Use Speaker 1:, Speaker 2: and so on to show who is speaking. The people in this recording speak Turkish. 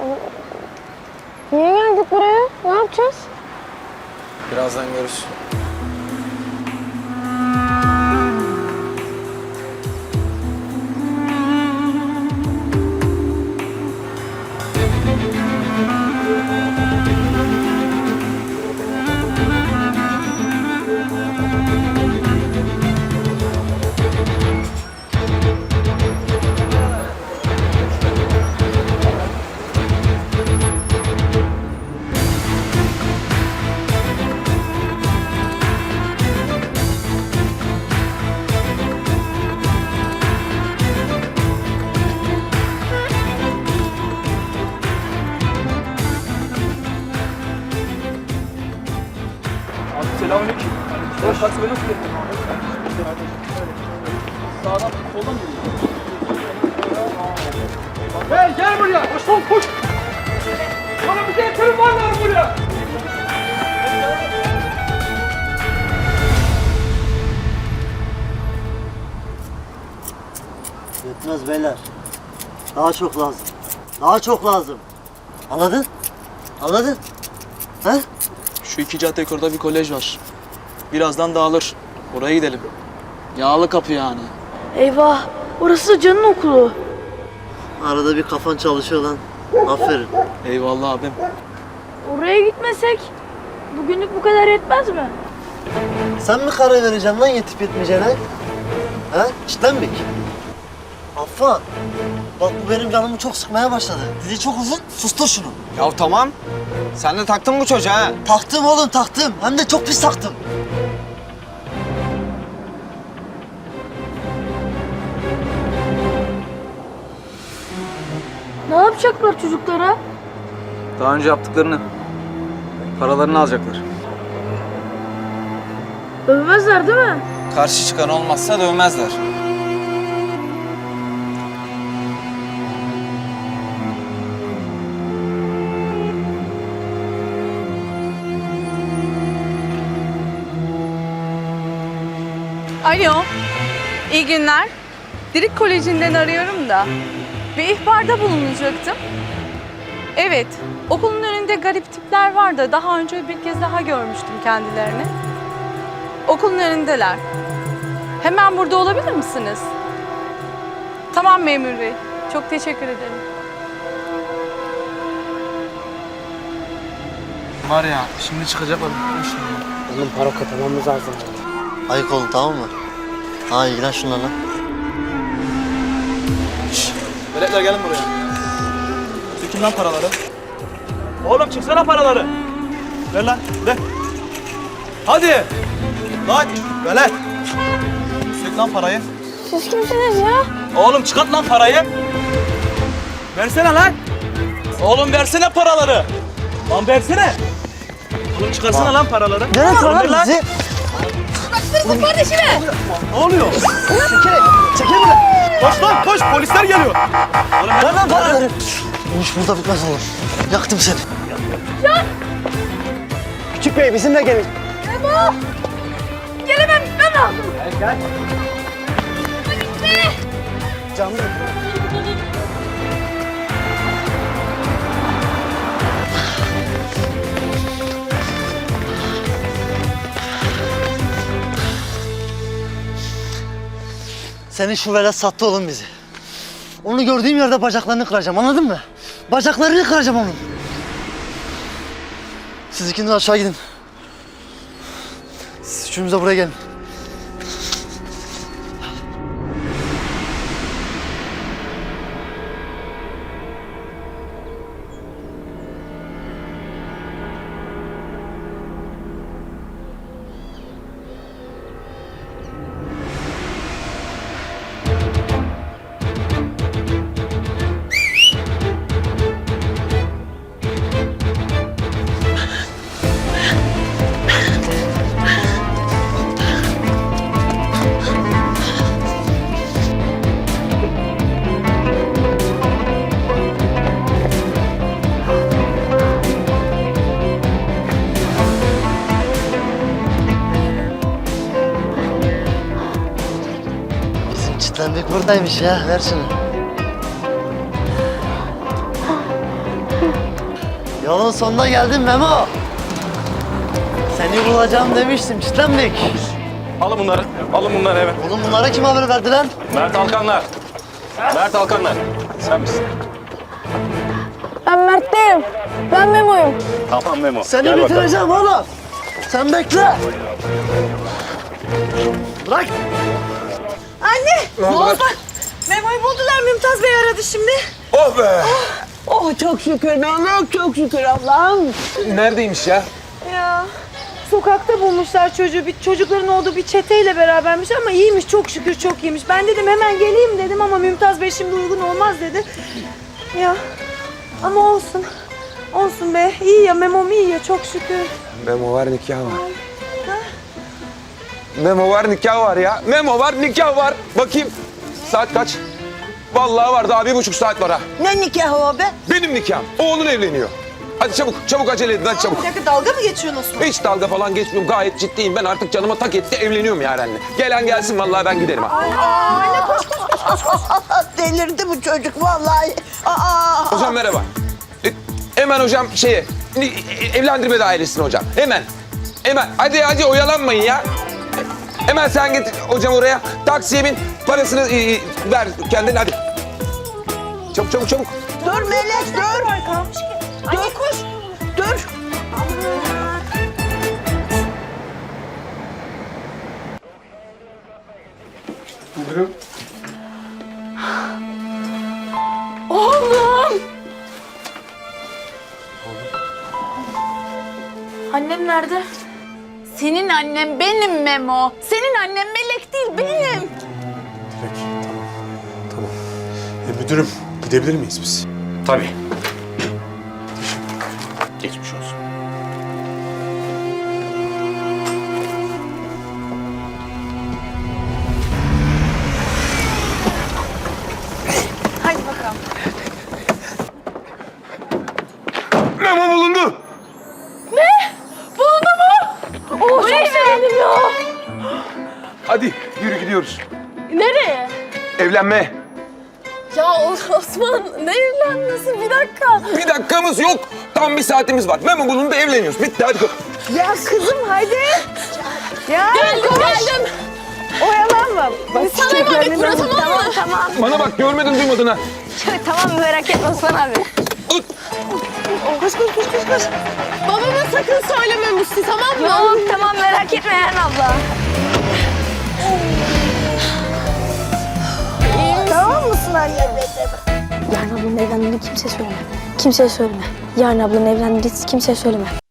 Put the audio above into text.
Speaker 1: Niye geldik buraya? Ne yapacağız?
Speaker 2: Birazdan görürsün.
Speaker 3: Selamünaleyküm. Hoş taksi nasıl getirdin? Sağdan, soldan geliyor. Hey gel buraya! Koş lan koş! Bana bir telefon var lan buraya!
Speaker 4: Yetmez beyler. Daha çok lazım. Daha çok lazım. Anladın? Anladın? He?
Speaker 3: Şu iki cadde yukarıda bir kolej var. Birazdan dağılır. Oraya gidelim. Yağlı kapı yani.
Speaker 1: Eyvah, orası Can'ın okulu.
Speaker 4: Arada bir kafan çalışıyor lan. Aferin.
Speaker 3: Eyvallah abim.
Speaker 1: Oraya gitmesek bugünlük bu kadar yetmez mi?
Speaker 4: Sen mi karar vereceksin lan yetip yetmeyeceğine? He? Çitlenmek. Affan. Bak bu benim canımı çok sıkmaya başladı. Dili çok uzun. Sustur şunu.
Speaker 2: Ya tamam. Sen de taktın bu çocuğa ha.
Speaker 4: Taktım oğlum taktım. Hem de çok pis taktım.
Speaker 1: Ne yapacaklar çocuklara?
Speaker 2: Daha önce yaptıklarını, paralarını alacaklar.
Speaker 1: Övmezler değil mi?
Speaker 2: Karşı çıkan olmazsa dövmezler.
Speaker 5: Alo, iyi günler. Dirik Koleji'nden arıyorum da bir ihbarda bulunacaktım. Evet, okulun önünde garip tipler var da daha önce bir kez daha görmüştüm kendilerini. Okulun önündeler. Hemen burada olabilir misiniz? Tamam memur bey, çok teşekkür ederim.
Speaker 3: Var ya, şimdi çıkacaklar.
Speaker 6: Onun para katlamamız lazım.
Speaker 4: Ayık olun tamam mı? Ha ilgilen şunlarla.
Speaker 3: Veletler gelin buraya. Sökün lan paraları. Oğlum çıksana paraları. Ver lan, ver. Hadi. Lan, velet. Sök lan parayı.
Speaker 1: Siz kimsiniz ya?
Speaker 3: Oğlum çıkart lan parayı. Versene lan. Oğlum versene paraları. Lan versene. Oğlum çıkarsana lan paraları.
Speaker 4: Neresi
Speaker 3: Oğlum, ver
Speaker 4: lan bizi?
Speaker 3: Ne oluyor?
Speaker 4: Çekil buradan.
Speaker 3: Koş lan koş polisler geliyor. Oğlum
Speaker 4: Ver lan paraları. Bu iş burada bitmez oğlum. Yaktım seni.
Speaker 6: Küçük bey bizimle gelin.
Speaker 1: Gelemem, ben lazım.
Speaker 6: Gel.
Speaker 1: Gitme.
Speaker 6: Canlı.
Speaker 4: Senin şu velet sattı oğlum bizi. Onu gördüğüm yerde bacaklarını kıracağım anladın mı? Bacaklarını kıracağım onun. Siz ikiniz aşağı gidin. Siz üçünüz de buraya gelin. Çitlendik buradaymış ya. Ver şunu. Yolun sonuna geldin Memo. Seni bulacağım demiştim çitlenmek.
Speaker 7: Alın bunları. Alın bunları hemen.
Speaker 4: Oğlum bunlara kim haber verdi lan?
Speaker 7: Mert Alkanlar. Mert Alkanlar. Sen misin?
Speaker 1: Ben Mert değilim. Ben Memo'yum.
Speaker 7: Tamam Memo.
Speaker 4: Seni
Speaker 7: Gel bakalım.
Speaker 4: bitireceğim oğlum. Sen bekle. Bırak.
Speaker 8: Anne! Ne oldu? Memo'yu buldular. Mümtaz Bey aradı şimdi.
Speaker 2: Oh be!
Speaker 8: Oh çok şükür Mehmet, çok şükür Allah'ım.
Speaker 2: Neredeymiş ya?
Speaker 1: Ya sokakta bulmuşlar çocuğu. Çocukların olduğu bir çeteyle berabermiş ama iyiymiş çok şükür çok iyiymiş. Ben dedim hemen geleyim dedim ama Mümtaz Bey şimdi uygun olmaz dedi. Ya ama olsun. Olsun be. İyi ya Memo'm iyi ya çok şükür.
Speaker 9: Memo var, nikah var. Memo var, nikah var ya. Memo var, nikah var. Bakayım. Saat kaç? Vallahi var, daha 1,5 saat var ha.
Speaker 8: Ne nikahı o be?
Speaker 9: Benim nikahım. Oğlun evleniyor. Hadi çabuk, çabuk acele edin, hadi çabuk.
Speaker 8: Bir dakika dalga mı geçiyorsun Osman?
Speaker 9: Hiç dalga falan geçmiyorum, gayet ciddiyim. Ben artık canıma tak etti, evleniyorum Yaren'le. Gelen gelsin, vallahi ben giderim ha.
Speaker 8: Delirdi bu çocuk vallahi. Aa!
Speaker 9: Hocam merhaba. Hemen hocam evlendirme dairesine hocam. Hemen. Hemen. Hadi oyalanmayın ya. Hemen sen git hocam oraya. Taksiye bin. Parasını ver kendine hadi. Çabuk.
Speaker 8: Dur Melek dur. Dur koş. Dur.
Speaker 1: Annem nerede?
Speaker 5: Senin annen benim Memo. Senin annen Melek değil benim.
Speaker 10: Peki, tamam. Müdürüm, gidebilir miyiz biz?
Speaker 7: Tabii. Geçmiş olsun.
Speaker 5: Hadi bakalım.
Speaker 9: Memo bulundu.
Speaker 1: Oo çok sevindim ya.
Speaker 9: Hadi yürü gidiyoruz.
Speaker 1: Nereye?
Speaker 9: Evlenme.
Speaker 1: Ya Osman ne evlenmesi bir dakika.
Speaker 9: Bir dakikamız yok. Tam bir saatimiz var. Memo bulundu, evleniyoruz. Bitti hadi.
Speaker 8: Ya kızım hadi. Ya
Speaker 1: Geldim.
Speaker 8: oyalanma. Bak
Speaker 1: Sana emanet burası tamam tamam.
Speaker 9: Bana bak görmedin duymadın ha.
Speaker 1: Tamam merak etme Osman abi.
Speaker 9: Ut.
Speaker 8: Koş.
Speaker 1: Babama sakın söyleme Musti tamam mı? Yok tamam merak etme Eren abla.
Speaker 8: Tamam mısın anne?
Speaker 11: Yarın ablanın evlendiğini kimseye söyleme. Kimseye söyleme. Yarın ablanın evlendiğini kimseye söyleme.